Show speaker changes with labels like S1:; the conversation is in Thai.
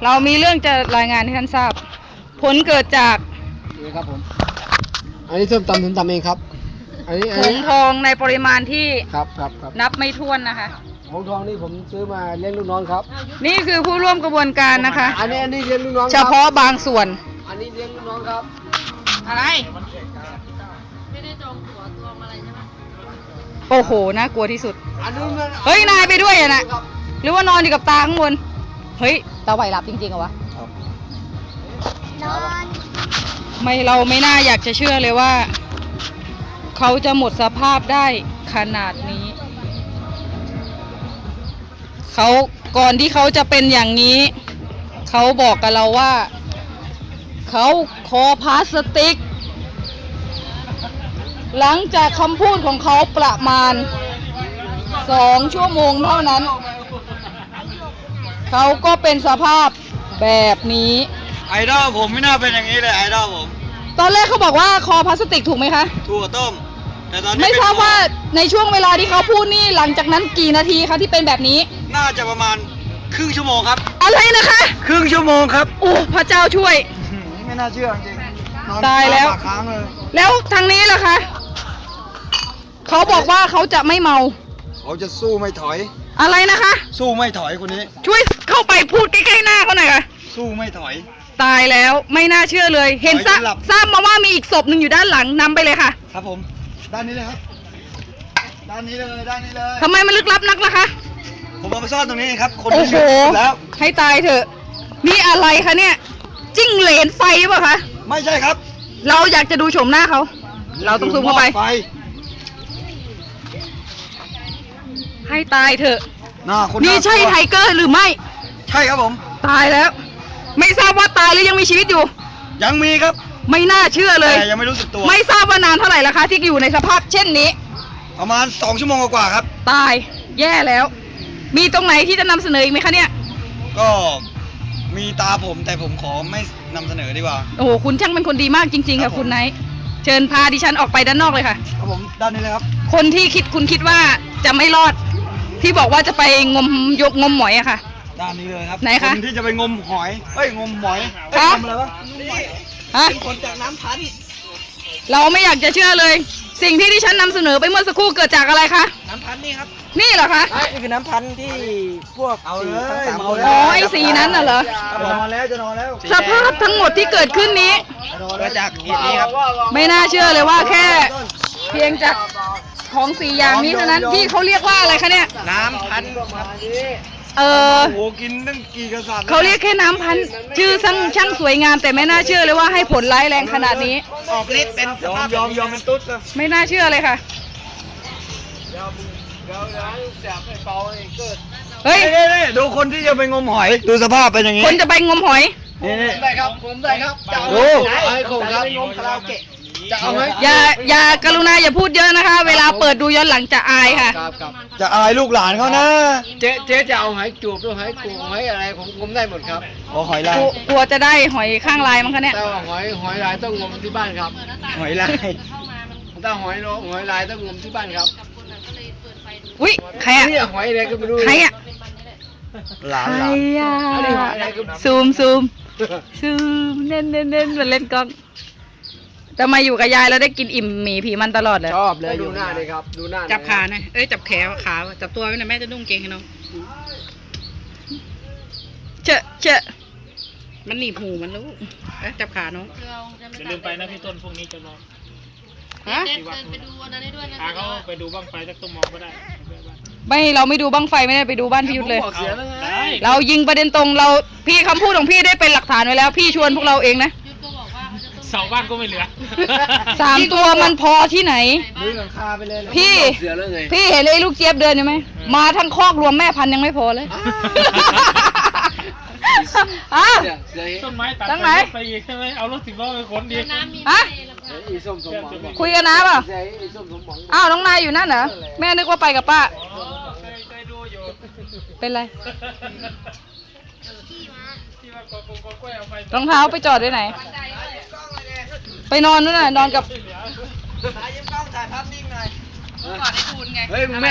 S1: เรามีเรื่องจะรายงานให้ท่านทราบผลเกิดจาก
S2: นี่ครับผมอันนี้ส้มตำผมตำเองครับอันนี้
S1: ผงทองในปริมาณที่
S2: ครับ
S1: นับไม่ถ้วนนะคะ
S2: ผงทองนี่ผมซื้อมาเลี้ยงลูกน้องครับ
S1: นี่คือผู้ร่วมกระบวนการนะคะ
S2: อันนี้เลี้ยงลูกน้อง
S1: เฉพาะบางส่วน
S2: อันนี้เลี้ยงลูกน้องครับ
S1: อะไรไม่ได้จองตั๋วจองอะไรใช่ไหมโอ้โหน่ากลัวที่สุดเฮ้ยนายไปด้วยอ่ะนะหรือว่านอนอยู่กับตาข้างบนเฮ้ยตาไหวหลับจริงๆเหรอวะ
S3: นอน
S1: เราไม่น่าอยากจะเชื่อเลยว่าเขาจะหมดสภาพได้ขนาดนี้เขาก่อนที่เขาจะเป็นอย่างนี้เขาบอกกับเราว่าเขาคอพลาสติกหลังจากคำพูดของเขาประมาณ2 ชั่วโมงเท่านั้นเขาก็เป็นสภาพแบบนี้
S4: ไอดอลผมไม่น่าเป็นอย่างนี้เลยไอดอลผม
S1: ตอนแรกเขาบอกว่าคอพลาสติกถูกไหมคะ
S4: ถั่วต้มแต่ตอนนี้
S1: ไม่ทราบว่าในช่วงเวลาที่เขาพูดนี่หลังจากนั้นกี่นาทีคะที่เป็นแบบนี้
S4: น่าจะประมาณครึ่งชั่วโมงครับ
S1: อะไรนะคะ
S4: ครึ่งชั่วโมงครับ
S1: โอ้พระเจ้าช่วย
S4: ไม่น่าเชื่อจริง
S1: ตายแล้วแล้วทางนี้ล่ะคะเขาบอกว่าเขาจะไม่เมา
S4: เขาจะสู้ไม่ถอย
S1: อะไรนะคะ
S4: สู้ไม่ถอยคนนี้
S1: ช่วยเข้าไปพูดใกล้ๆหน้าเขาหน่อยค่ะ
S4: สู้ไม่ถอย
S1: ตายแล้วไม่น่าเชื่อเลยเห็นทราบมาว่ามีอีกศพหนึ่งอยู่ด้านหลังนำไปเลยค่ะ
S4: ครับผมด้านนี้เลยครับด้านนี้เลย
S1: ทำไมมันลึกลับนักล่ะคะ
S4: ผมเอามาซ่อนตรงนี้ครับคน
S1: โอ้โห
S4: แล้ว
S1: ให้ตายเถอะนี่อะไรคะเนี่ยจิ้งเหลนไฟหรือเปล่าคะ
S4: ไม่ใช่ครับ
S1: เราอยากจะดูโฉมหน้าเขาเราต้องซูมเข้าไปให้ตายเถอะนี่ใช่ไทเกอร์หรือไม่
S4: ใช่ครับผม
S1: ตายแล้วไม่ทราบว่าตายหรือยังมีชีวิตอยู่
S4: ยังมีครับ
S1: ไม่น่าเชื่อเลย
S4: แต่ยังไม่รู้สึกตัว
S1: ไม่ทราบว่านานเท่าไหร่แล้วคะที่อยู่ในสภาพเช่นนี้
S4: ประมาณ2 ชั่วโมงกว่าครับ
S1: ตายแย่แล้วมีตรงไหนที่จะนำเสนออีกไหมคะเนี่ย
S4: ก็มีตาผมแต่ผมขอไม่นำเสนอดีกว่า
S1: โอ้โหคุณช่างเป็นคนดีมากจริงๆค่ะคุณไนท์เชิญพาดิฉันออกไปด้านนอกเลยค่ะ
S4: ครับผมด้านนี้เลยครับ
S1: คนที่คุณคิดว่าจะไม่รอดที่บอกว่าจะไปงมหมอยอะค่ะ
S4: ด้านนี้เลยครับ
S1: ไหนคะ
S4: คนที่จะไปงมหอยงมหมอย
S1: งม
S4: อะไรวะ
S1: เป็นคนจากน้ำพันเราไม่อยากจะเชื่อเลยสิ่งที่ดิฉันนำเสนอไปเมื่อสักครู่เกิดจากอะไรคะ
S4: น้ำพันนี่ครับ
S1: นี่เหรอคะ
S4: นี่คือน้ำพันที่พวกสีทั้ง3 คน
S1: อ๋อไอ้สีนั้นน่ะเหรอ
S4: จะนอนแล้ว
S1: สภาพทั้งหมดที่เกิดขึ้นนี้
S4: เกิดจากเหตุนี้ครับ
S1: ไม่น่าเชื่อเลยว่าแค่เพียงจากของ4 อย่างนี้เท่านั้นที่เขาเรียกว่าอะไรคะเนี่ย
S4: น้ำพันโอ้โหกินตั้งกี่กษัตริย์
S1: เขาเรียกแค่น้ำพันชื่อช่างสวยงามแต่ไม่น่าเชื่อเลยว่าให้ผลร้ายแรงขนาดนี้
S4: ออกฤทธิ์เป็นยอมเป็นตุ๊ดเลย
S1: ไม่น่าเชื่อเลยค่ะเฮ้ย
S4: ดูคนที่จะไปงมหอยดูสภาพเป็นอย่างนี้
S1: คนจะไปงมหอย
S4: ได้ครับผมได้ครับดูไอ้ผมครับงมคาราโอเกะจะเอาไหม
S1: อย่ากรุณาอย่าพูดเยอะนะคะเวลาเปิดดูย้อนหลังจะอายค่ะ
S4: จะอายลูกหลานเขานะ
S2: เจ๊จะเอาหอยจูบหรือหอยกุ้งหอยอะไรผมได้หมดครับ
S4: หอยลาย
S1: กลัวจะได้หอยข้างลายมั้งคะเนี่ย
S2: แต่หอยลายต้องงมที่บ้านครับ
S4: หอยลาย
S2: ถ้าหอยลายต้องงมที่บ้านครับ
S1: อุ้ยใครอะ
S2: หอยอะไรก็ไม่รู้
S1: ใครอะ
S4: หลาน
S1: ซูมเน้นมันเล่นกล้องแต่มาอยู่กับยายแล้วได้กินอิ่มหมี่ผีมันตลอดเลย
S2: ชอบเลยดูหน้าเลยครับดูหน้า
S1: จับขาหน่อยจับแขนขาจับตัวไว้หน่อยแม่จะนุ่งเกงให้น้องเจอะมันหนีบหูมันรู้จับขาน้อง
S5: อย่าลืมไปนะพี่ต้นพวกนี้จะรอ
S1: ฮะ
S5: ไปดูอันนั้นด้วยนะเขาไปดูบ้างไฟสักตุ้มมองก็ได้
S1: ไม่เราไม่ดูบั้งไฟไม่ได้ไปดูบ้านพี่ยุทธเลยเรายิงประเด็นตรงเราพี่คำพูดของพี่ได้เป็นหลักฐานไว้แล้วพี่ชวนพวกเราเองนะ
S5: เสาบ้านก็ไม่เหลือ
S1: 3 ตัวมันพอที่ไหนพี่เห็นไอ้ลูกเจี๊ยบเดินอยู่ไหมมาทั้งคอกรวมแม่พันยังไม่พอเลย
S5: ต้นไม้ตัดไปอีกใช่ไหมเอารถ10 ล้อไปขนดี
S1: คุยกันนะเปล่าอ้าวน้องนายอยู่นั่นเหรอแม่นึกว่าไปกับป้า
S5: เคยดูอยู่
S1: เป็นไรรองเท้าไปจอดไว้ไหนไปนอนนู่นน่ะนอนกับ
S4: ยิ้มกล้องถ่ายภาพนิ่งหน่อย
S1: ก่อนให้ทูนไง